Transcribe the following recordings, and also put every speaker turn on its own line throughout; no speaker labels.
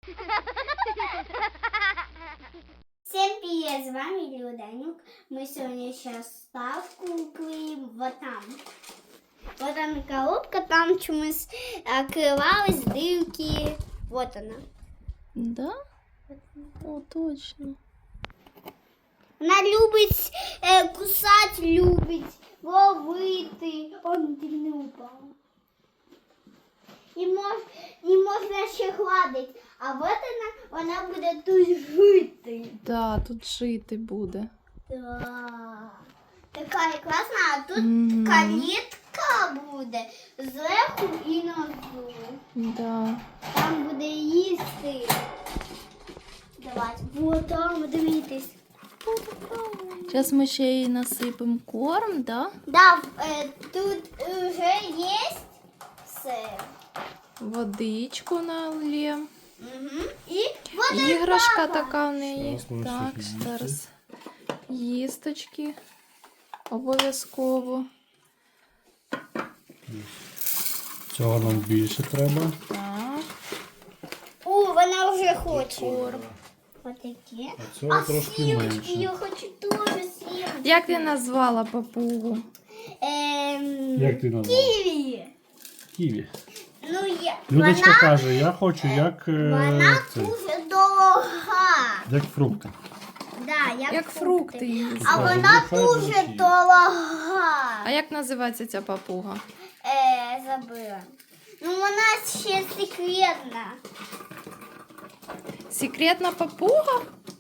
Всем привет, с вами Люданюк. Мы сегодня сейчас ставку клеим вот там. Вот она коробка, там чомусь открывалась, дырки. Вот она.
Да? О, точно.
Она любить кусать, любить, ловити. Он не упал. І можна ще гладити. А от вона буде тут жити.
Да, тут жити буде.
Да. Така класна, а тут калітка буде зверху і внизу.
Да.
Там буде їсти. Давайте, вот там, дивитись.
Зараз ми ще їй насипемо корм, да?
Да, тут вже є все.
Водичку налємо.
Угу. І вот
Іграшка
папа.
така в неї.
Зараз ми
Так,
всіх їсти.
зараз. Їсточки. Обов'язково.
Цього нам більше треба.
Так.
О, вона вже хоче.
Корм.
Ось такі.
А цього трошки
сімочки, я
менше.
хочу теж сімочки.
Як ти назвала папугу?
Як ти назвав?
Ківі.
Ківі.
Ну,
Людочка
вона,
каже, я хочу як,
вона
цей,
дуже дорога.
як фрукти.
Да,
Як фрукти її.
А
Скажи,
вона
нехай
дуже
звучить.
дорога.
А як називається ця папуга?
Забыла. Ну, вона ще секретна.
Секретна папуга?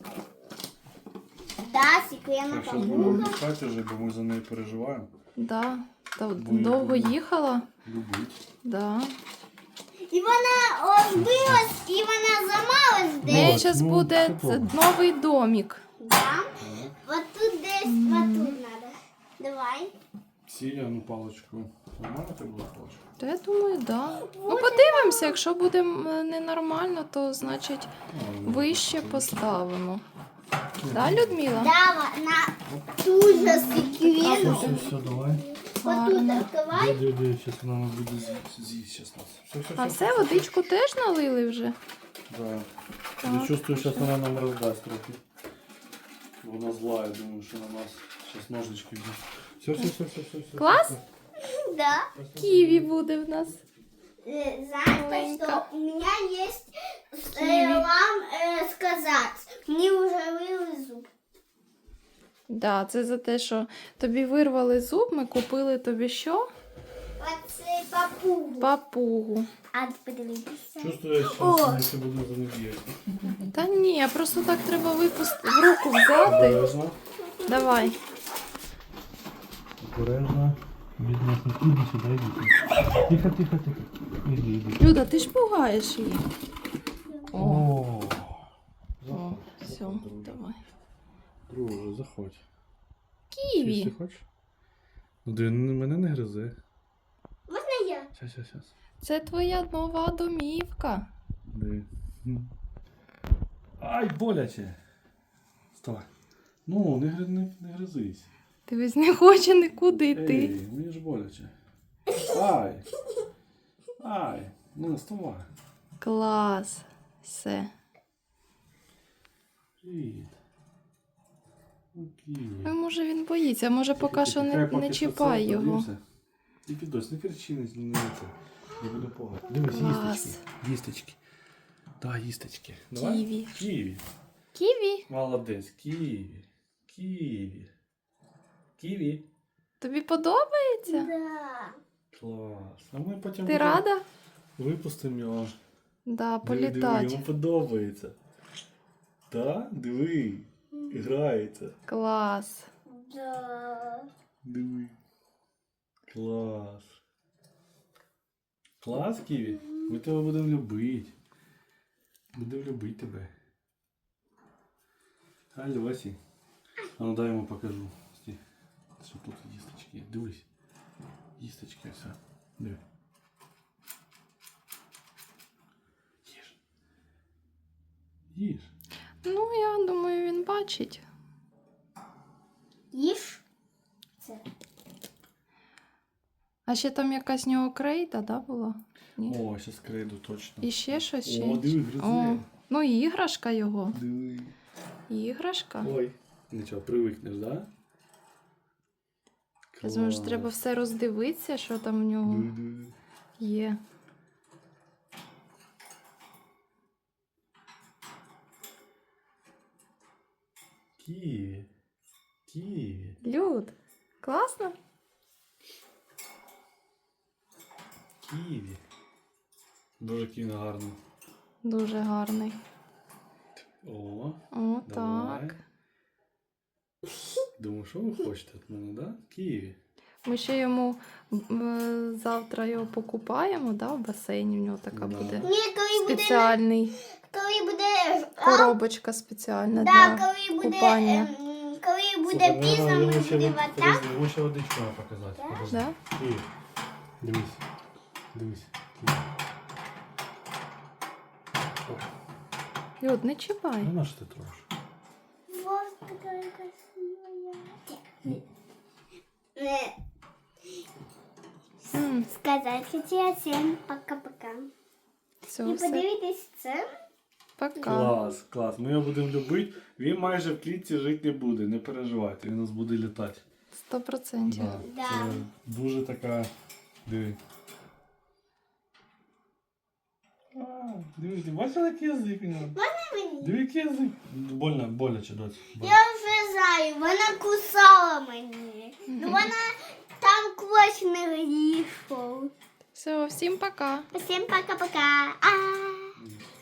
Да, секретна
Так, зараз будемо
папуга.
відпускати вже, бо ми за нею переживаємо.
Да. Та
Бо я
довго
люблю.
їхала?
Любить.
Да.
І вона розбилась, і вона замалась
В неї
десь.
зараз
ну,
буде
це добре.
новий домик.
Да? Вот тут десь, вот тут надо. Давай.
Сія, ну паличку. Нормально це була паличка?
То я думаю, да. Ну подивимося, якщо буде ненормально, то значить вище поставимо. Да, Людмила?
Да, вона дуже
Все,
секретна.
все, давай.
Вот тут открывай.
Диви, зараз вона нам буде з'їсть зараз нас. Все,
А все, водичку теж налили вже?
Да. Я чувствую, сейчас она нам раздаст трохи. Вона зла, я думаю, что на нас сейчас ножнички взяв. Все.
Клас?
Да.
Ківі буде в нас.
Знаете,
Маленько.
что у меня есть
Киви.
вам сказать. Мне уже вырвали зуб.
Да, це за те, що тобі вирвали зуб, ми купили тобі що?
Оце папугу.
Папугу.
А подивитися.
Чувствую, я
О.
сейчас не буду за них бігати.
Та ні, просто так треба випустити, в руку взяти.
Обережно.
Давай.
Обережно. Бідна, іди сюди, іди. Тихо. Іди.
Люда, ти ж пугаєш її. О,
О.
все, давай.
Друже, заходь.
Ківі.
Ти хочеш? Ну, ти мене не гризи.
Можна я?
Щас.
Це твоя нова домівка.
Диви. Ай, боляче. Вставай. Ну, не гризись.
Ти весь не хоче нікуди йти.
Ей, мені ж боляче. Ай. Ну, вставай.
Клас. Все.
Привіт. Окей.
Ну, може він боїться, може поки що не чіпай його.
Тільки дось, не кричи, не це. Не буду погати. Дивись,
Клас.
їсточки. Їсточки. Да, їсточки. Давай.
Ківі.
Ківі.
Ківі,
Молодець, ківі. Ківі.
тобі подобається?
Да.
Клас. А ми потім
Ти рада?
випустимо його.
Да,
Диви,
політати.
йому подобається. Так? Диви. Грається.
Клас.
Да.
Диви. Клас. Клас, Ківі? Ми тебе будемо любити. Будемо любити тебе. Альосі. А ну дай йому покажу. Стій. Що тут їсточки. Дивись. Їсточки все. Диви. Їж.
Ну, я думаю, він бачить.
Їж. Це.
А ще там якась в нього крейда, да, була? Ні?
О, зараз крейду точно.
І ще щось?
О, диви,
О,
гризе.
Ну, і іграшка його.
Диви.
Іграшка.
Ой. Нічого, привикнеш, да?
Я думаю, що треба все роздивитися, що там в нього
Диви.
є.
Ківі. Ківі.
Люд, класно?
Ківі. Дуже кіно гарно.
Дуже гарний.
О,
О,
давай.
так.
Думаю, що ви хочете від мене, да? Ківі.
Ми ще йому завтра його покупаємо, да, в басейні. В нього така
Да.
буде
Ні, коли буде,
спеціальний
коли буде,
коробочка спеціальна
да,
для
коли буде,
купання.
коли буде пізно, ми будемо так.
Йому ще водичку треба показати.
Да?
Подожди.
Да?
Ківі. Дивись. Дивись. Ківі. О,
Люд, не чіпай.
ну на що ти трошки?
Вот такая красивая. Сказать хотіла всім пока-пока.
Все,
І
все.
подивитись це.
Пока.
Клас, клас. Ми його будемо любити. Він майже в клітці жити не буде, не переживайте, він у нас буде літати.
100%.
Да.
Це дуже така. Диви. Диви, ти бачила, який язик у нього?
Мені.
Диви, який язик. Больно, боляче, доць.
Я вже знаю, вона кусала мені. Ну вона там квач не вийшов.
Все, всім пока.
Всім пока-пока. А.